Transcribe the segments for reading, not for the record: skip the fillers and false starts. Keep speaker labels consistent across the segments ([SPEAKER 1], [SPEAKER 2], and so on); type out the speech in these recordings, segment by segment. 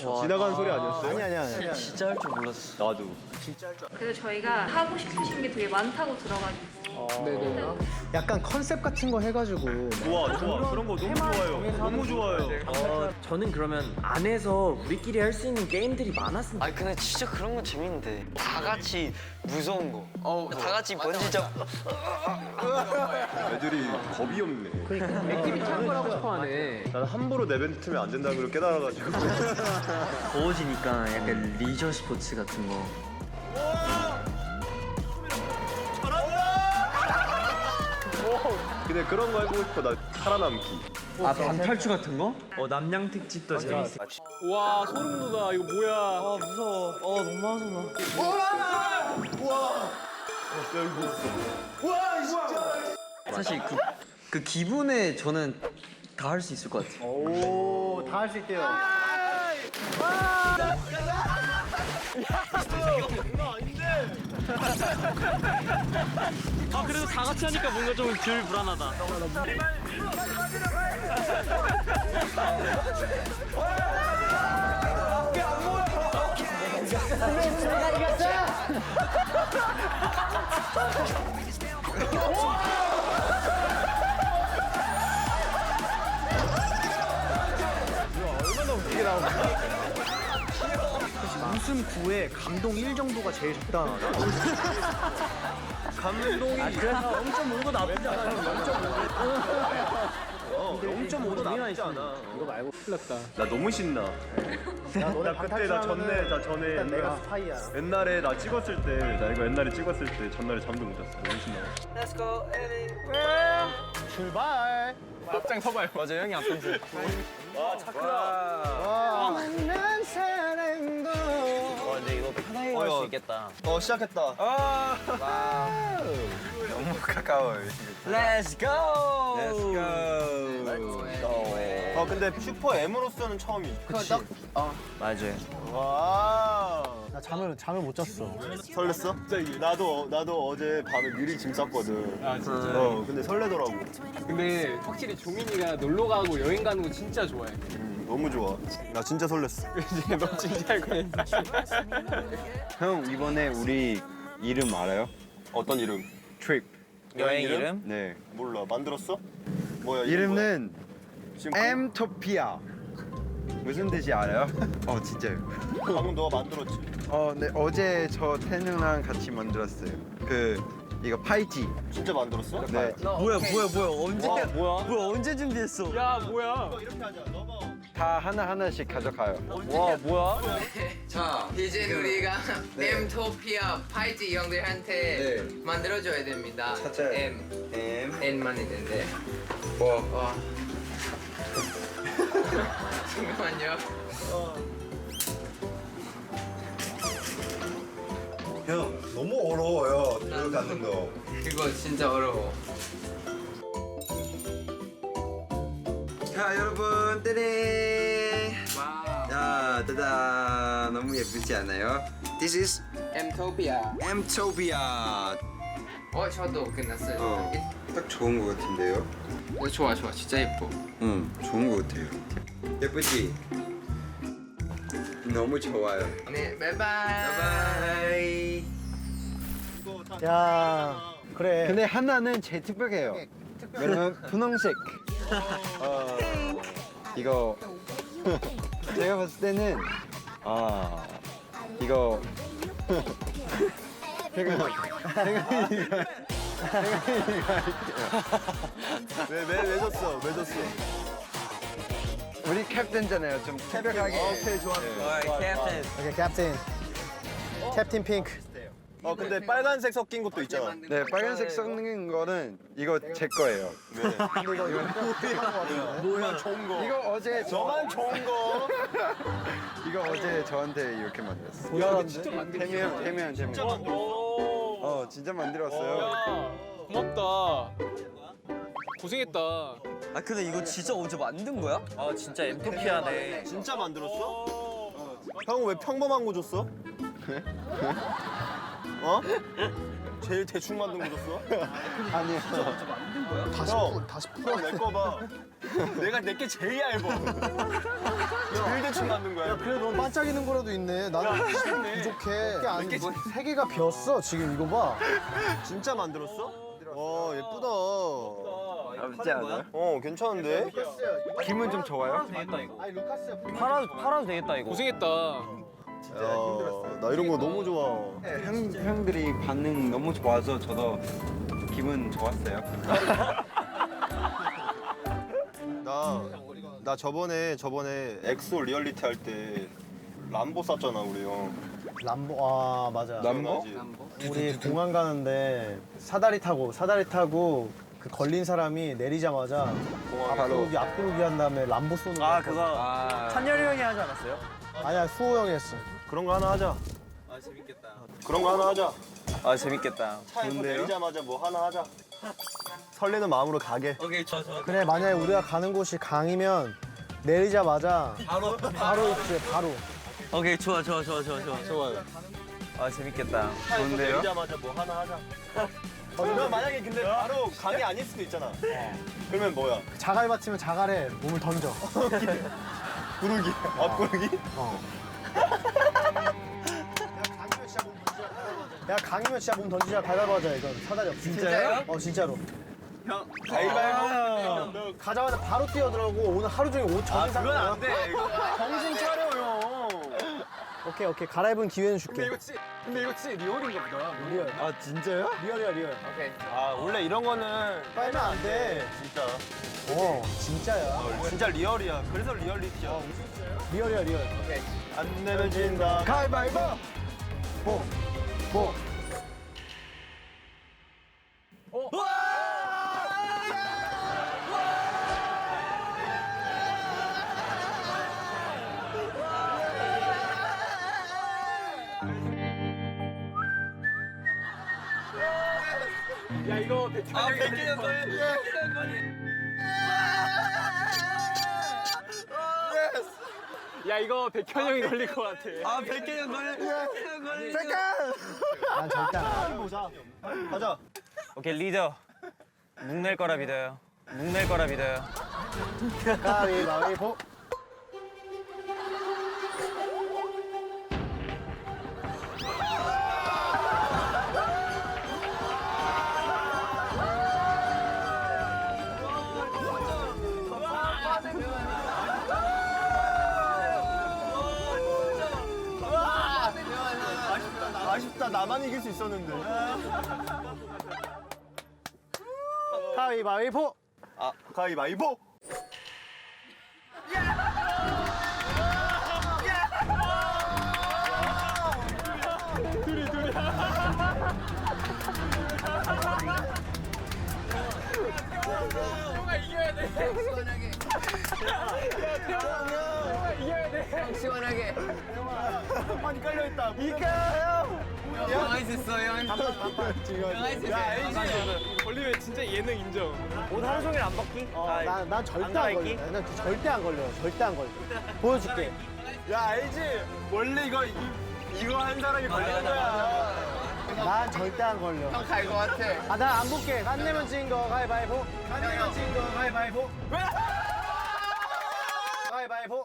[SPEAKER 1] 지나가는 소리 아니었어요?
[SPEAKER 2] 아니야.
[SPEAKER 3] 진짜 할 줄 몰랐어.
[SPEAKER 1] 나도.
[SPEAKER 4] 그래서 저희가 하고 싶으신 게 되게 많다고 들어가지고
[SPEAKER 2] 네네. 약간 컨셉 같은 거 해가지고.
[SPEAKER 1] 좋아. 그런 거 너무 좋아요. 너무 좋아요.
[SPEAKER 3] 저는 그러면 안에서 우리끼리 할 수 있는 게임들이 많았으면.
[SPEAKER 5] 아니 근데 진짜 그런 건 재밌는데 다 같이 무서운 거. 다 같이 번지점.
[SPEAKER 1] 애들이 겁이 없네.
[SPEAKER 2] 액티비티 한 걸 하고 싶어 하네.
[SPEAKER 1] 난 함부로 내뱉으면 안 된다는 걸 깨달아가지고.
[SPEAKER 3] 더워지니까 약간 리저 스포츠 같은 거.
[SPEAKER 1] 근데 그런 거 해보고 싶어. 나 살아남기.
[SPEAKER 3] 반탈출 같은 거? 남양 특집도 재밌어.
[SPEAKER 2] 와 소름 돋아. 이거 뭐야?
[SPEAKER 3] 무서워. 너무 무서워. 사실 그 기분에 저는 다 할 수 있을 것 같아요.
[SPEAKER 2] 오, 다 할 수 있대요.
[SPEAKER 3] 그래도 다 같이 하니까 뭔가 좀 덜 불안하다.
[SPEAKER 2] 웃음 9에 감동 1 정도가 제일 적당하다.
[SPEAKER 1] 감동이.
[SPEAKER 3] 그래서 0.5도 나쁘지 않아.
[SPEAKER 1] 0.5도 나쁘지 않아.
[SPEAKER 2] 이거 말고 큰일 났다.
[SPEAKER 1] 나 너무 신나. 나 그때 나 전에
[SPEAKER 2] 일단 내가
[SPEAKER 1] 옛날-
[SPEAKER 2] 스파이야.
[SPEAKER 1] 옛날에 나 찍었을 때, 나 이거 옛날에 찍었을 때 전날에 잠도 못 잤어. 너무 신나.
[SPEAKER 5] Let's go anywhere.
[SPEAKER 2] 출발.
[SPEAKER 5] 앞장 서봐요. 맞아 형이 앞장 서.
[SPEAKER 2] 만난 사랑도.
[SPEAKER 5] 근데 이거 편하게 갈 수 있겠다.
[SPEAKER 1] 시작했다.
[SPEAKER 5] 너무 가까워요. Let's go. Let's go.
[SPEAKER 1] 근데 슈퍼 M으로서는 처음이지.
[SPEAKER 2] 그치.
[SPEAKER 5] 맞아요.
[SPEAKER 1] 와.
[SPEAKER 2] 나 잠을 못 잤어.
[SPEAKER 1] 설렜어? 나도 어제 밤에 미리 짐 쌌거든.
[SPEAKER 6] 아 진짜.
[SPEAKER 1] 근데 설레더라고.
[SPEAKER 6] 근데 확실히 종민이가 놀러 가고 여행 가는 거 진짜 좋아해.
[SPEAKER 1] 너무 좋아. 나 진짜 설렜어.
[SPEAKER 6] 이제 너 진짜 할 거야.
[SPEAKER 7] 형 이번에 우리 이름 알아요?
[SPEAKER 1] 어떤 이름?
[SPEAKER 7] 트립.
[SPEAKER 5] 여행 이름?
[SPEAKER 7] 네.
[SPEAKER 1] 몰라. 만들었어? 뭐야?
[SPEAKER 7] 이름은
[SPEAKER 1] 지금
[SPEAKER 7] 엠토피아. 무슨 뜻이 알아요? 진짜요.
[SPEAKER 1] 방금 너가 만들었지.
[SPEAKER 7] 네 어제 저 태능랑 같이 만들었어요. 이거 파이지.
[SPEAKER 1] 진짜 만들었어?
[SPEAKER 7] 네.
[SPEAKER 3] 뭐야? 언제 준비했어?
[SPEAKER 6] 야 뭐야?
[SPEAKER 1] 이렇게 하자. 너가
[SPEAKER 7] 다 하나 하나씩 가져가요.
[SPEAKER 3] 와, 뭐야?
[SPEAKER 8] 자, 이제 우리가 엠토피아 파이지 형들한테 만들어줘야 됩니다.
[SPEAKER 7] 찾아요.
[SPEAKER 8] N만 있는데. 와. 잠깐만요.
[SPEAKER 7] 형 너무 어려워요. 들어가는 거.
[SPEAKER 8] 이거 진짜 어려워.
[SPEAKER 7] 자 여러분 떼링.
[SPEAKER 8] 와우.
[SPEAKER 7] 자 짜잔. 너무 예쁘지 않아요? This is
[SPEAKER 8] 엠토피아.
[SPEAKER 7] 엠토피아.
[SPEAKER 8] 저도 끝났어요.
[SPEAKER 7] 딱 좋은 거 같은데요?
[SPEAKER 8] 좋아. 진짜 예뻐.
[SPEAKER 7] 응, 좋은 거 같아요. 예쁘지? 너무 좋아요.
[SPEAKER 8] 네, 바이바이.
[SPEAKER 7] 바이.
[SPEAKER 2] 야, 그래.
[SPEAKER 7] 근데 하나는 제일 특별해요. 왜냐면 분홍색. 이거 제가 봤을 때는 이거 제가
[SPEAKER 1] 왜 졌어? 왜 졌어?
[SPEAKER 7] 우리 캡틴잖아요. 좀 특별하게.
[SPEAKER 1] 오케이 좋아.
[SPEAKER 5] 캡틴.
[SPEAKER 2] 오케이, 캡틴. 캡틴 핑크.
[SPEAKER 1] 근데 빨간색 섞인 것도 있잖아.
[SPEAKER 7] 네, 빨간색 섞는 거는 이거 제 거예요.
[SPEAKER 1] 뭐야 좋은 거.
[SPEAKER 7] 이거 어제
[SPEAKER 1] 너만 좋은 거.
[SPEAKER 7] 이거 어제 저한테 이렇게 만들었어.
[SPEAKER 6] 야 진짜 만들었어.
[SPEAKER 7] 태면.
[SPEAKER 1] 진짜 만들었어.
[SPEAKER 7] 진짜 만들었어요.
[SPEAKER 6] 야 고맙다. 고생했다.
[SPEAKER 3] 근데 이거 진짜 어제 만든 거야?
[SPEAKER 5] 진짜 엠토피아네.
[SPEAKER 1] 진짜 만들었어? 형은 왜 평범한 거 줬어? 제일 대충 만든 거 줬어?
[SPEAKER 7] 아니요.
[SPEAKER 1] 다시 풀어 내 거 봐. 내가 내게 제일 얇아. 제일 대충 맞는 거야.
[SPEAKER 2] 그래 넌 반짝이는 거라도 있네. 나는 부족해. 이게 세 개가 비었어. 지금 이거 봐.
[SPEAKER 1] 진짜 만들었어? 와 예쁘다.
[SPEAKER 7] 나쁘지 않아요?
[SPEAKER 1] 괜찮은데?
[SPEAKER 7] 기분 좀 좋아요?
[SPEAKER 2] 아니 루카스야.
[SPEAKER 3] 팔아도 되겠다 이거.
[SPEAKER 6] 고생했다.
[SPEAKER 1] 나 이런 거 너무 좋아.
[SPEAKER 7] 형들이 반응 너무 좋아서 저도 기분 좋았어요.
[SPEAKER 1] 나 저번에 엑소 리얼리티 할 때 람보 쌌잖아 우리 형.
[SPEAKER 2] 람보. 아 맞아.
[SPEAKER 7] 람보?
[SPEAKER 2] 우리 공항 가는데 사다리 타고 그 걸린 사람이 내리자마자 앞구르기 한 다음에 람보 쏘는 거.
[SPEAKER 3] 아 그거 찬열이 형이 하지 않았어요?
[SPEAKER 2] 아니야 수호 형이 했어.
[SPEAKER 1] 그런 거 하나 하자. 그런 거 하나 하자.
[SPEAKER 3] 아 재밌겠다.
[SPEAKER 1] 차에서 내리자마자 뭐 하나 하자. 설레는 마음으로 가게.
[SPEAKER 3] 오케이 좋아.
[SPEAKER 2] 그래 만약에 우리가 가는 곳이 강이면 내리자마자 바로 입지 바로.
[SPEAKER 3] 오케이 좋아.
[SPEAKER 1] 좋아요.
[SPEAKER 3] 아 재밌겠다.
[SPEAKER 1] 차에서 내리자마자 뭐 하나 하자. 그럼 만약에 근데 바로 강이 아닐 수도 있잖아. 그러면 뭐야?
[SPEAKER 2] 자갈 받치면 자갈에 몸을 던져.
[SPEAKER 1] 구르기. 앞구르기?
[SPEAKER 2] 야 강이면 진짜 몸 던지자. 가위바위보 하자 이건. 사다리 없어. 진짜요? 진짜로.
[SPEAKER 1] 가위바위보.
[SPEAKER 2] 가자마자 바로 뛰어들어오고 오늘 하루 종일 옷 정신
[SPEAKER 1] 그건 안 돼. 정신 차려 형.
[SPEAKER 2] 오케이 갈아입은 기회는 줄게.
[SPEAKER 6] 근데 이거 진짜 리얼인가 보다.
[SPEAKER 2] 리얼.
[SPEAKER 1] 아 진짜요?
[SPEAKER 2] 리얼이야 리얼.
[SPEAKER 8] 오케이.
[SPEAKER 1] 아 원래 이런 거는
[SPEAKER 2] 빨면 안 돼.
[SPEAKER 1] 진짜
[SPEAKER 2] 진짜야.
[SPEAKER 1] 진짜 리얼이야. 그래서 리얼리티야.
[SPEAKER 2] 리얼이야 리얼.
[SPEAKER 1] 안 내면 진다.
[SPEAKER 2] 가위바위보. 뭐.
[SPEAKER 6] 야 이거 백현이 야 이거 백현 형이 걸릴 것 같아.
[SPEAKER 3] 아 100개 걸려.
[SPEAKER 2] 난 절대 안 해.
[SPEAKER 1] 보자. 가자.
[SPEAKER 3] 오케이 리더. 묵낼 거라 믿어요.
[SPEAKER 2] 가위바위보.
[SPEAKER 1] 아쉽다. 나만 이길 수 있었는데.
[SPEAKER 2] 가위바위보.
[SPEAKER 1] 아 가위바위보.
[SPEAKER 8] 시원하게.
[SPEAKER 1] 많이 깔려 있다.
[SPEAKER 8] 형할 수 있어 형. 형할 수 있어.
[SPEAKER 6] 걸리면 진짜 예능 인정.
[SPEAKER 3] 옷 하루 종일 안 벗기?
[SPEAKER 2] 난 절대 안 걸려. 난 절대 안 걸려. 절대 안 걸려. 보여줄게.
[SPEAKER 1] 야 알지? 원래 이거 한 사람이 걸리는 거야.
[SPEAKER 2] 난 절대 안 걸려.
[SPEAKER 8] 형 갈 것 같아.
[SPEAKER 2] 아, 난 안 볼게. 안 내면 진 거 가위바위보. 안 내면 진 거 가위바위보. 가위바위보.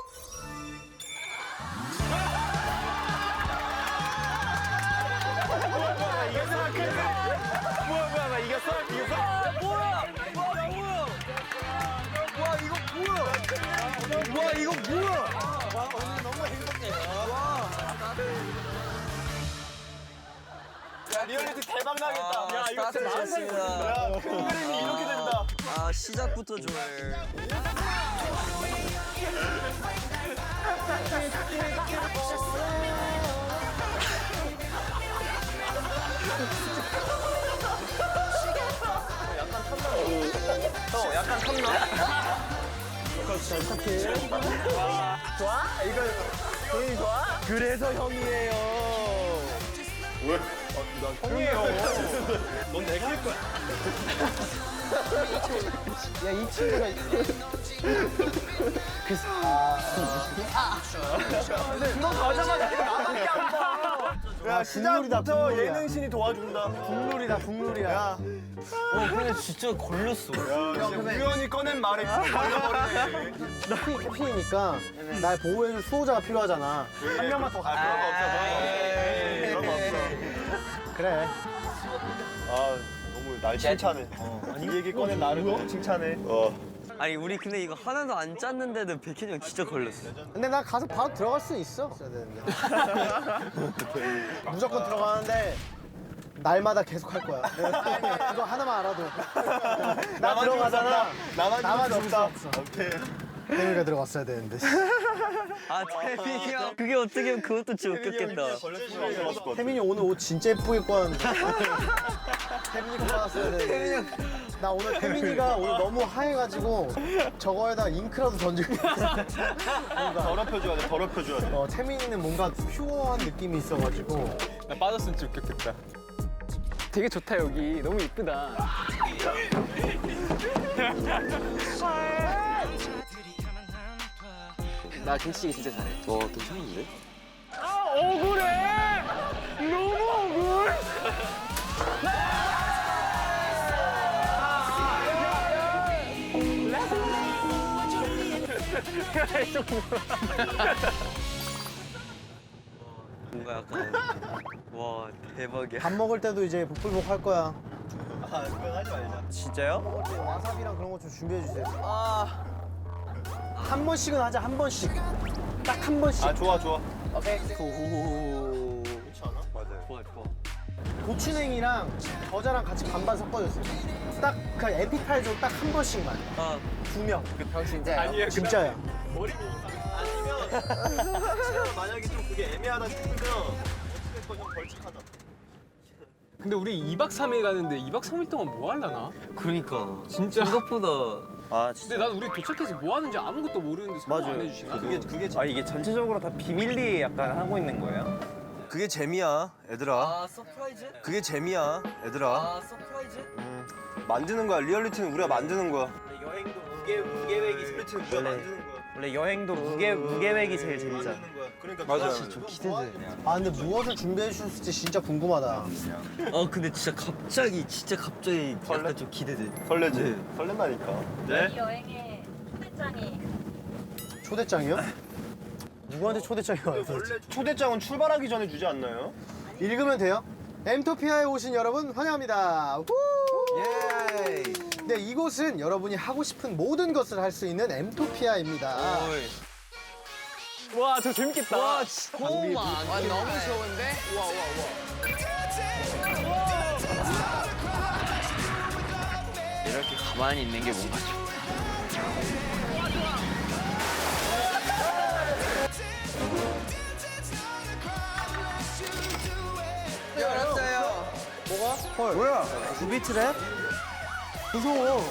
[SPEAKER 1] 야 리얼리티 대박 나겠다. 야 이거 진짜
[SPEAKER 3] 스타트됐습니다.
[SPEAKER 1] 야, 큰 그림이 이렇게 된다.
[SPEAKER 3] 아 시작부터 좋아해.
[SPEAKER 1] 약간 탐나.
[SPEAKER 2] 좋아? 이거 본인이 좋아?
[SPEAKER 1] 그래서 형이에요. 왜? 나 형이에요. 넌 내 길 거야.
[SPEAKER 2] 야, 이 친구가
[SPEAKER 1] 너 가자마자 나밖에 안 봐. 야 야,
[SPEAKER 2] 국룰이다,
[SPEAKER 1] 시작부터
[SPEAKER 2] 국룰이야.
[SPEAKER 1] 예능신이 도와준다.
[SPEAKER 2] 국룰이다 국룰이야.
[SPEAKER 1] 야,
[SPEAKER 5] 근데 진짜 걸렸어.
[SPEAKER 1] 야, 우연히 꺼낸 말에 걸려버리네.
[SPEAKER 2] 캡틴이니까 날 보호해줄 수호자가 필요하잖아. 한 명만 더
[SPEAKER 1] 아, 그런 거 없어. 그런 거 없어.
[SPEAKER 2] 그래.
[SPEAKER 1] 아, 너무 날 칭찬해. 이 얘기 꺼낸 나를 너무 칭찬해.
[SPEAKER 3] 아니 우리 근데 이거 하나도 안 짰는데도 백현이 형 진짜 걸렸어.
[SPEAKER 2] 근데 나 가서 바로 들어갈 수 있어. 되는데. 무조건 들어가는데 날마다 계속 할 거야. 이거 하나만 알아도. 나 들어가잖아.
[SPEAKER 1] 나만
[SPEAKER 2] 죽을 수
[SPEAKER 1] 없다.
[SPEAKER 2] 없어.
[SPEAKER 1] 오케이.
[SPEAKER 2] 태민이가 들어갔어야 되는데.
[SPEAKER 3] 아 태민이 형. 그게 어떻게 하면 그것도 진짜 웃겼겠다.
[SPEAKER 2] 태민이 오늘 옷 진짜 예쁘게 입고 왔는데. 태민이가 받았어야 되는데. 나 오늘 태민이가 오늘 너무 하얘가지고 저거에다 잉크라도 던지고 있어.
[SPEAKER 1] 더럽혀줘야 돼. 더럽혀줘야 돼.
[SPEAKER 2] 태민이는 뭔가 퓨어한 느낌이 있어가지고.
[SPEAKER 6] 나 빠졌으면 진짜 웃겼겠다. 되게 좋다 여기. 너무 이쁘다. 나 김치찌개 진짜 잘해.
[SPEAKER 3] 와 괜찮은데? 뭔가 약간 와 대박이야.
[SPEAKER 2] 밥 먹을 때도 이제 복불복 할 거야.
[SPEAKER 1] 아, 그건 하지 말자.
[SPEAKER 3] 진짜요?
[SPEAKER 2] 먹을 때 와사비랑 그런 거 좀 준비해 주세요. 한 번씩은 하자, 한 번씩. 딱 한 번씩.
[SPEAKER 1] 아, 좋아, 좋아.
[SPEAKER 2] 오케이.
[SPEAKER 3] 오.
[SPEAKER 1] 그렇지 않아? 맞아요.
[SPEAKER 3] 좋아 좋아.
[SPEAKER 2] 고추냉이랑 겨자랑 같이 반반 섞어줬어요. 딱 그 에피타이저 딱 한 번씩만.
[SPEAKER 3] 아
[SPEAKER 2] 2명.
[SPEAKER 8] 형 진짜요?
[SPEAKER 2] 진짜야.
[SPEAKER 1] 아니면 만약에 좀 그게 애매하다 싶으면 어찌됐건 좀 벌칙하자.
[SPEAKER 6] 근데 우리 2박 3일 가는데 2박 3일 동안 뭐 하려나?
[SPEAKER 3] 그러니까
[SPEAKER 6] 진짜.
[SPEAKER 3] 생각보다 아
[SPEAKER 6] 근데 난 우리 도착해서 뭐 하는지 아무것도 모르는데 설명 안 해주시나?
[SPEAKER 1] 그게
[SPEAKER 9] 아 이게 전체적으로 다 비밀리에 약간 하고 있는 거예요?
[SPEAKER 1] 그게 재미야, 얘들아.
[SPEAKER 3] 아 서프라이즈?
[SPEAKER 1] 그게 재미야, 얘들아.
[SPEAKER 3] 아 서프라이즈?
[SPEAKER 1] 만드는 거야. 리얼리티는 우리가 만드는 거야.
[SPEAKER 3] 여행도 무계획이
[SPEAKER 1] 리얼리티는 우리가 만드는 거야.
[SPEAKER 9] 원래 여행도 무계획이 제일 재밌잖아.
[SPEAKER 1] 만드는 거야. 그러니까
[SPEAKER 2] 맞아.
[SPEAKER 3] 좀 기대돼.
[SPEAKER 2] 아 근데 무엇을 준비해 주실지 진짜 궁금하다.
[SPEAKER 3] 근데 진짜 갑자기 약간 좀 기대돼.
[SPEAKER 1] 설레지.
[SPEAKER 3] 네.
[SPEAKER 1] 설렌다니까.
[SPEAKER 4] 이 여행의 초대장이
[SPEAKER 2] 초대장이요? 누구한테 초대장이 와요?
[SPEAKER 1] 원래 초대장은 출발하기 전에 주지 않나요?
[SPEAKER 2] 읽으면 돼요? 엠토피아에 오신 여러분 환영합니다. 우!
[SPEAKER 3] 예.
[SPEAKER 2] 네, 이곳은 여러분이 하고 싶은 모든 것을 할 수 있는 엠토피아입니다.
[SPEAKER 6] 와, 저 재밌겠다.
[SPEAKER 3] 와 진짜 너무
[SPEAKER 8] 와 너무 좋은데?
[SPEAKER 3] 이렇게 가만히 있는 게 뭔가 좀.
[SPEAKER 8] 열었어요.
[SPEAKER 2] 뭐가? 헐.
[SPEAKER 7] 뭐야?
[SPEAKER 2] 구비트랩? 무서워.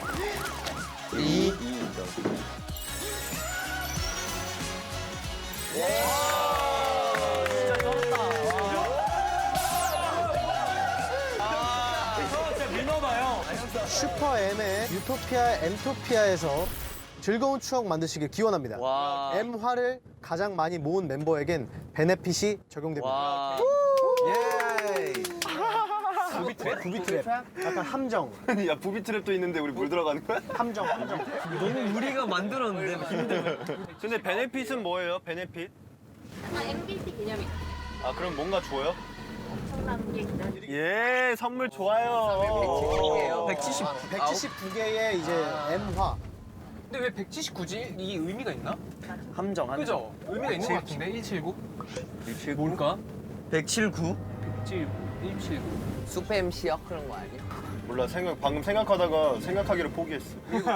[SPEAKER 2] 슈퍼 M의 유토피아 엠토피아에서 즐거운 추억 만드시길 기원합니다.
[SPEAKER 3] 와.
[SPEAKER 2] M화를 가장 많이 모은 멤버에겐 베네핏이 적용됩니다.
[SPEAKER 3] 와.
[SPEAKER 7] 예.
[SPEAKER 2] 구비트랩. 약간 함정.
[SPEAKER 1] 야, 부비 트랩도 있는데 우리 물 들어가는 거야?
[SPEAKER 2] 함정.
[SPEAKER 3] 너무 우리가 만들었는데 힘들어.
[SPEAKER 1] 근데 베네핏은 뭐예요? 베네핏?
[SPEAKER 4] MBC 기념이
[SPEAKER 1] 아, 그럼 뭔가 줘요?
[SPEAKER 4] 엄청난 게 기다리고
[SPEAKER 1] 예, 선물 좋아요.
[SPEAKER 2] 179개의 이제 M화.
[SPEAKER 6] 근데 왜 179지? 이게 의미가 있나?
[SPEAKER 9] 함정
[SPEAKER 6] 그죠? 의미가 있는 것 같은데? 179? 뭘까?
[SPEAKER 3] 179?
[SPEAKER 6] 179, 179.
[SPEAKER 8] 수페 MC야 그런 거 아니야?
[SPEAKER 1] 몰라, 방금 생각하다가 생각하기를 포기했어.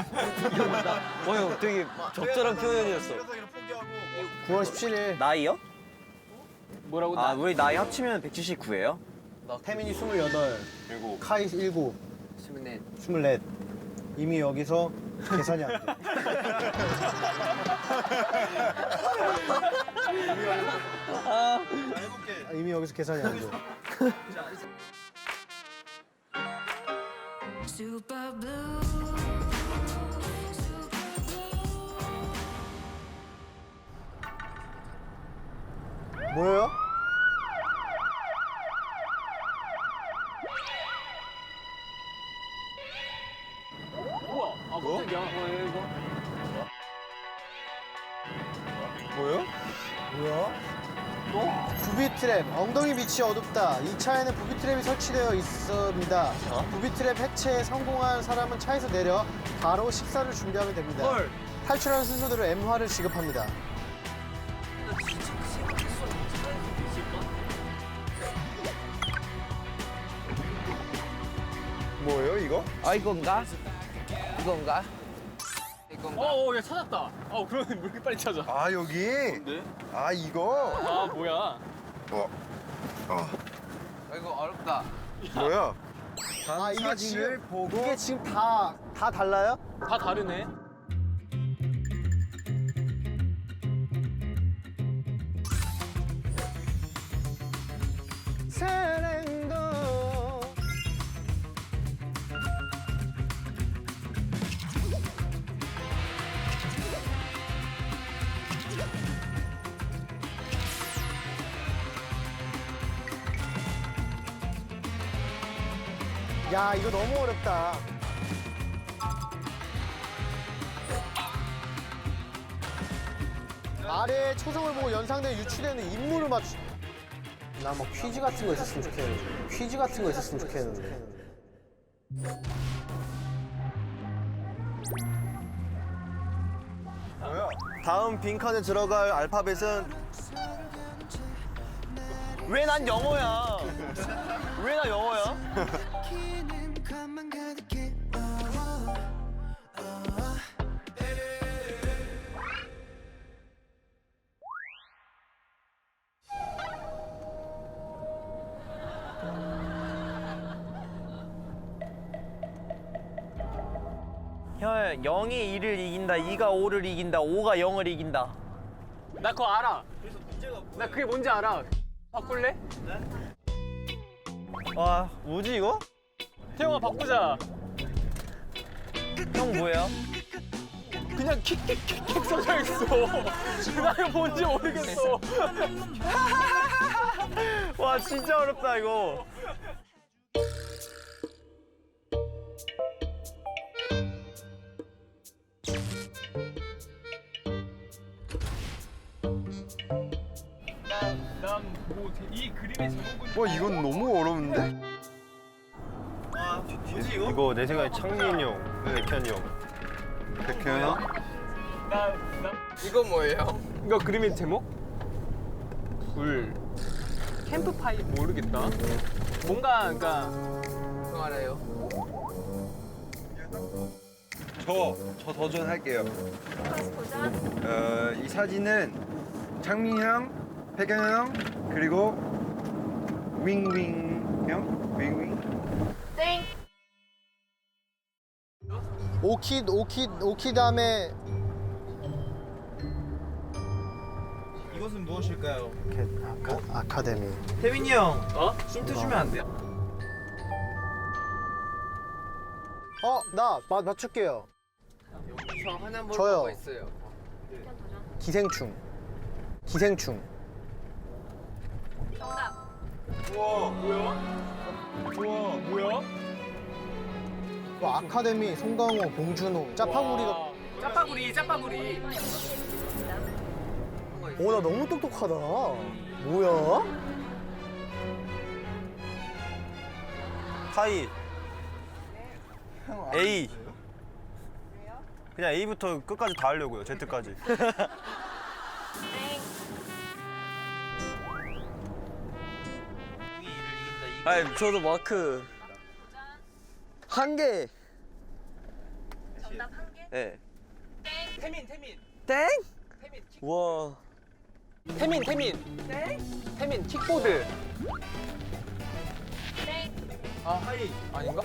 [SPEAKER 3] 형 되게 적절한 표현이었어.
[SPEAKER 2] 9월 17일
[SPEAKER 9] 나이요?
[SPEAKER 6] 뭐라고?
[SPEAKER 9] 아 우리 나이 합치면 179예요?
[SPEAKER 2] 태민이 28,
[SPEAKER 1] 그리고
[SPEAKER 2] 카이 7,
[SPEAKER 8] 스물넷.
[SPEAKER 2] 24. 이미 여기서 계산이 안 돼. 이미 여기서 계산이 안 돼. 뭐예요?
[SPEAKER 7] 뭐요?
[SPEAKER 2] 부비 트랩, 엉덩이 빛이 어둡다. 이 차에는 부비 트랩이 설치되어 있습니다. 부비 트랩 해체에 성공한 사람은 차에서 내려 바로 식사를 준비하면 됩니다. 탈출하는 순서대로 M화를 지급합니다.
[SPEAKER 7] 뭐예요 이거?
[SPEAKER 8] 아 이건가? 이건가? 이건가?
[SPEAKER 6] 야 찾았다. 그러면 왜 이렇게 빨리 찾아?
[SPEAKER 7] 아 여기? 아 이거?
[SPEAKER 6] 아 뭐야?
[SPEAKER 8] 이거 어렵다.
[SPEAKER 7] 뭐야?
[SPEAKER 2] 아, 이게
[SPEAKER 7] 사진을
[SPEAKER 2] 지금,
[SPEAKER 7] 보고
[SPEAKER 2] 이게 지금 다 달라요?
[SPEAKER 6] 다 다르네.
[SPEAKER 2] 사랑도 야, 이거 너무 어렵다. 아래에 초성을 보고 연상된 유추되는 인물을 맞추. 나 뭐 퀴즈 같은 거 있었으면 좋겠는데. 퀴즈 같은 거 있었으면 좋겠는데.
[SPEAKER 7] 뭐야?
[SPEAKER 1] 다음 빈칸에 들어갈 알파벳은 왜 난 영어야? 왜 나 영어야?
[SPEAKER 9] 형 0이 2를 이긴다, 2가 5를 이긴다, 5가 0을 이긴다.
[SPEAKER 6] 나 그거 알아. 나 그게 뭔지 알아. 바꿀래?
[SPEAKER 9] 와 뭐지 이거?
[SPEAKER 6] 태영아 바꾸자.
[SPEAKER 9] 형 뭐예요?
[SPEAKER 6] 그냥 킥킥킥킥 써져 있어. 나 이거 뭔지 모르겠어.
[SPEAKER 9] 와 진짜 어렵다 이거.
[SPEAKER 6] 난뭐이 그림의 제목은
[SPEAKER 7] 뭐 이건 너무 어려운데?
[SPEAKER 1] 이거 내 생각에 창민 형, 백현이 형.
[SPEAKER 7] 백현 형?
[SPEAKER 8] 이거 뭐예요?
[SPEAKER 6] 이거 그림의 제목? 불 캠프파이 모르겠다. 뭔가 그러니까
[SPEAKER 8] 그거 알아요?
[SPEAKER 7] 저 도전할게요. 이 사진은 창민 형, 백현 형, 그리고 윙윙 형? 윙윙?
[SPEAKER 4] 땡.
[SPEAKER 2] 오키 다음에
[SPEAKER 9] 이것은 무엇일까요?
[SPEAKER 2] 아카데미.
[SPEAKER 9] 태민이 형 힌트 주면 안 돼요?
[SPEAKER 2] 나 맞출게요.
[SPEAKER 8] 저 하나 모르는
[SPEAKER 2] 저요.
[SPEAKER 8] 거 있어요.
[SPEAKER 2] 기생충.
[SPEAKER 4] 정답.
[SPEAKER 6] 뭐야?
[SPEAKER 2] 아카데미, 송강호, 봉준호, 짜파구리가.
[SPEAKER 6] 짜파구리.
[SPEAKER 2] 나 너무 똑똑하다. 뭐야?
[SPEAKER 1] 타이. A. 그냥 A부터 끝까지 다 하려고요. Z까지.
[SPEAKER 3] 아니 저도 마크 한 개.
[SPEAKER 4] 정답 한 개.
[SPEAKER 3] 네.
[SPEAKER 6] 태민.
[SPEAKER 3] 땡? 와.
[SPEAKER 6] 태민. 태민 킥보드.
[SPEAKER 4] 땡.
[SPEAKER 6] 아닌가?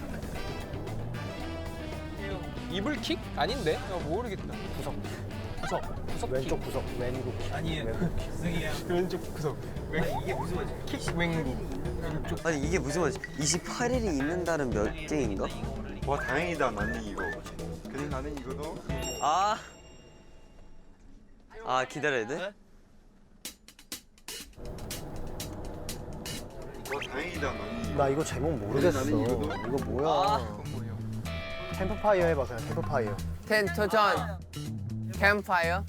[SPEAKER 6] 이불킥? 아닌데? 모르겠다. 구석
[SPEAKER 2] 왼쪽 구석, 왼쪽.
[SPEAKER 9] 아니에요.
[SPEAKER 6] 왼쪽 구석.
[SPEAKER 9] 이게 무슨 말이지?
[SPEAKER 6] 킥 왼구.
[SPEAKER 3] 아니 이게 무슨 말이지? 28일이 있는 달은 몇 개인가?
[SPEAKER 7] 와 다행이다 나는 이거. 근데 나는 이거도
[SPEAKER 3] 기다려야 돼?
[SPEAKER 7] 와 다행이다 나는 이거.
[SPEAKER 2] 나 이거 제목 모르겠어.
[SPEAKER 7] 나는 이거도.
[SPEAKER 2] 이거 뭐야? 캠프파이어 해봐 그냥 캠프파이어.
[SPEAKER 8] 텐토전 캠파이어.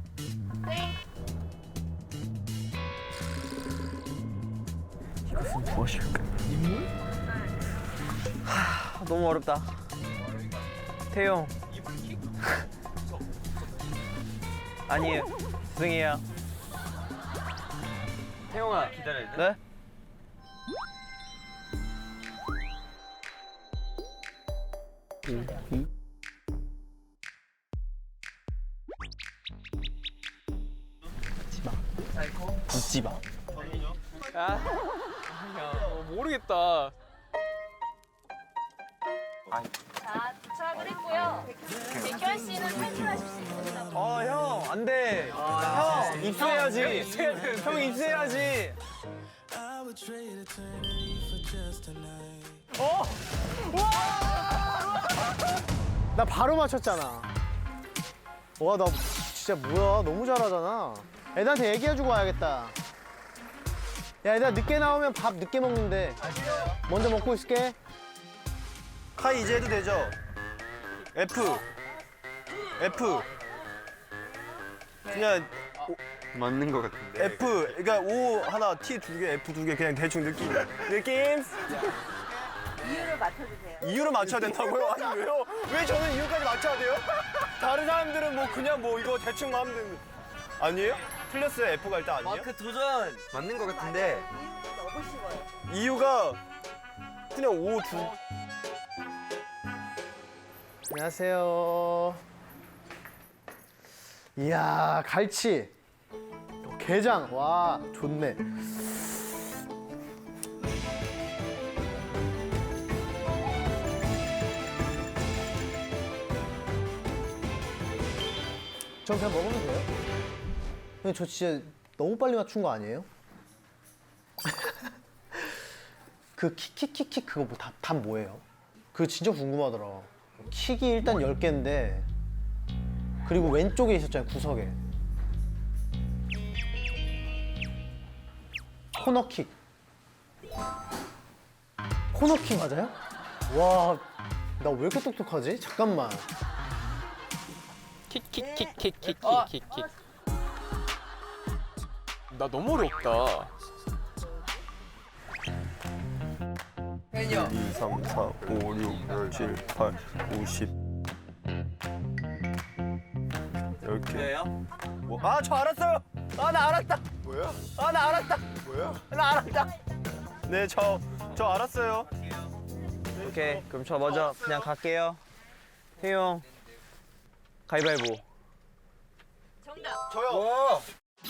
[SPEAKER 9] 너무 어렵다. 태용. 아니에요. 죄송해요. 태용아 기다려야 돼? 네?
[SPEAKER 6] 웃지 마. 모르겠다.
[SPEAKER 4] 자, 도착을 했고요. 백현 씨는 탈출하실 수 있습니다.
[SPEAKER 9] 형, 안 돼. 형, 입수해야지. 형, 입수해야지.
[SPEAKER 2] 나 바로 맞췄잖아. 와, 나 진짜 뭐야. 너무 잘하잖아. 애들한테 얘기해주고 와야겠다. 야, 얘들아, 늦게 나오면 밥 늦게 먹는데. 먼저 먹고 있을게.
[SPEAKER 1] 카이 이제 해도 되죠? F. 그냥
[SPEAKER 7] 맞는 것 같은데.
[SPEAKER 1] F. 그러니까 O 하나, T 2개, F 2개 그냥 대충 느낌. 이유를 맞춰주세요. 이유를 맞춰야 된다고요? 아니 왜요? 왜 저는 이유까지 맞춰야 돼요? 다른 사람들은 뭐 그냥 뭐 이거 대충 하면 되는 아니에요? 틀렸어요. F가 일단 아니에요?
[SPEAKER 3] 마크 도전.
[SPEAKER 7] 맞는 것 같은데.
[SPEAKER 1] 이유가 그냥 O 두.
[SPEAKER 2] 안녕하세요. 이야, 갈치. 게장. 와, 좋네. 전 그냥 먹으면 돼요? 근데 저 진짜 너무 빨리 맞춘 거 아니에요? 그 킥킥킥킥 그거 뭐 답 뭐예요? 그거 진짜 궁금하더라. 킥이 일단 10개인데 그리고 왼쪽에 있었잖아요, 구석에. 코너킥. 코너킥 맞아요? 와, 나 왜 이렇게 똑똑하지? 잠깐만.
[SPEAKER 6] 킥킥킥킥킥킥킥. 나 너무 어렵다.
[SPEAKER 1] 1, 2, 3, 4, 5, 6, 7, 8, 9, 10. 10개.
[SPEAKER 9] 왜요?
[SPEAKER 1] 뭐? 아, 저 알았어요. 아, 나 알았다. 뭐야? 아, 나 알았다. 뭐야? 나 알았다. 네, 저 알았어요.
[SPEAKER 9] 오케이, 그럼 저 먼저 그냥 갈게요. 태용, 가위바위보.
[SPEAKER 4] 정답.
[SPEAKER 1] 저요.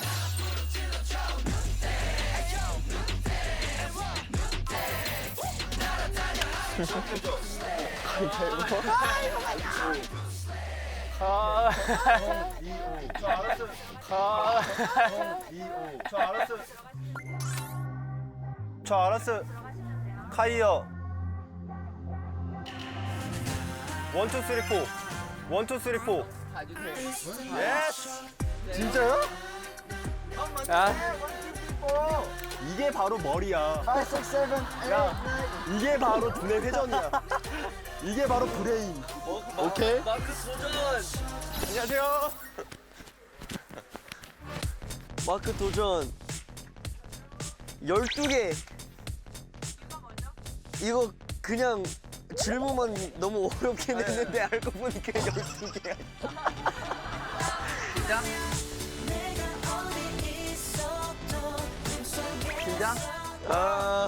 [SPEAKER 1] 저 알았어요. 저 알았어요. 카이어. 1, 2, 3, 4. 1, 2, 3, 4. 예스. 진짜요? 이게 바로 머리야. 5, 6, 7, 8, 야, 이게 바로 두뇌 회전이야. 이게 바로 브레인. 오케이?
[SPEAKER 3] 마크 도전.
[SPEAKER 1] 안녕하세요.
[SPEAKER 3] 마크 도전. 12개. 이거 그냥 질문만 너무 어렵게 냈는데 알고 보니까 12개야. 긴장? 아.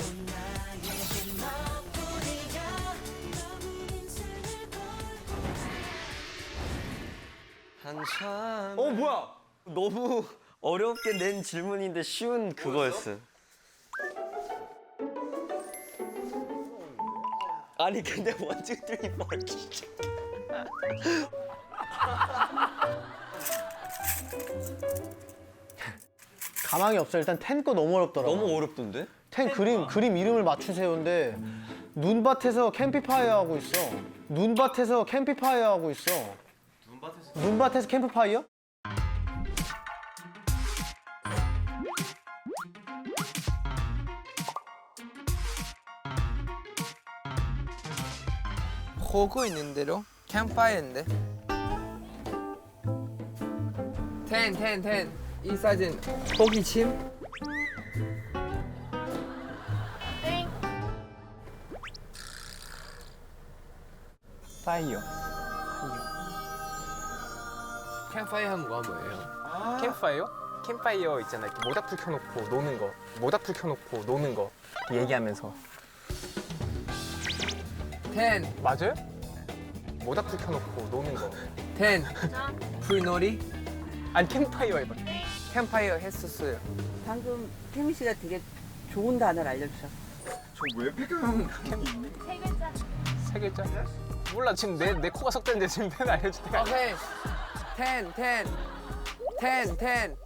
[SPEAKER 3] 한참.
[SPEAKER 1] 뭐야?
[SPEAKER 3] 너무 어렵게 낸 질문인데 쉬운 그거였어. 아니 근데 원투3 4 진짜.
[SPEAKER 2] 가망이 없어. 일단 텐 거 너무 어렵더라고.
[SPEAKER 3] 너무 어렵던데?
[SPEAKER 2] 텐 그림 이름을 맞추세요인데 눈밭에서 캠프파이어 하고 있어. 눈밭에서 캠프파이어 하고 있어. 눈밭에서 캠프파이어?
[SPEAKER 8] 보고 있는 대로 캠파이어인데. 10. 이 사진 호기심?
[SPEAKER 4] 땡.
[SPEAKER 6] 파이어.
[SPEAKER 8] 캠파이어 하는 거 뭐예요?
[SPEAKER 6] 캠파이어? 캠파이어 있잖아. 이렇게 모닥불 켜놓고 노는 거. 모닥불 켜놓고 노는 거. 얘기하면서.
[SPEAKER 8] 10.
[SPEAKER 6] 맞아요? 모닥불 켜놓고 노는 거.
[SPEAKER 8] 10. 불놀이?
[SPEAKER 6] 아니 캠파이어 해봐.
[SPEAKER 8] 캠파이어 했었어요.
[SPEAKER 10] 방금 태민 씨가 되게 좋은 단어를 알려주셨어.
[SPEAKER 7] 저왜 배경?
[SPEAKER 4] 세 글자.
[SPEAKER 6] 세 글자? 몰라 지금 내 코가 석자인데 지금 tên 알려줄 때가 아니야.
[SPEAKER 8] 오케이. 10.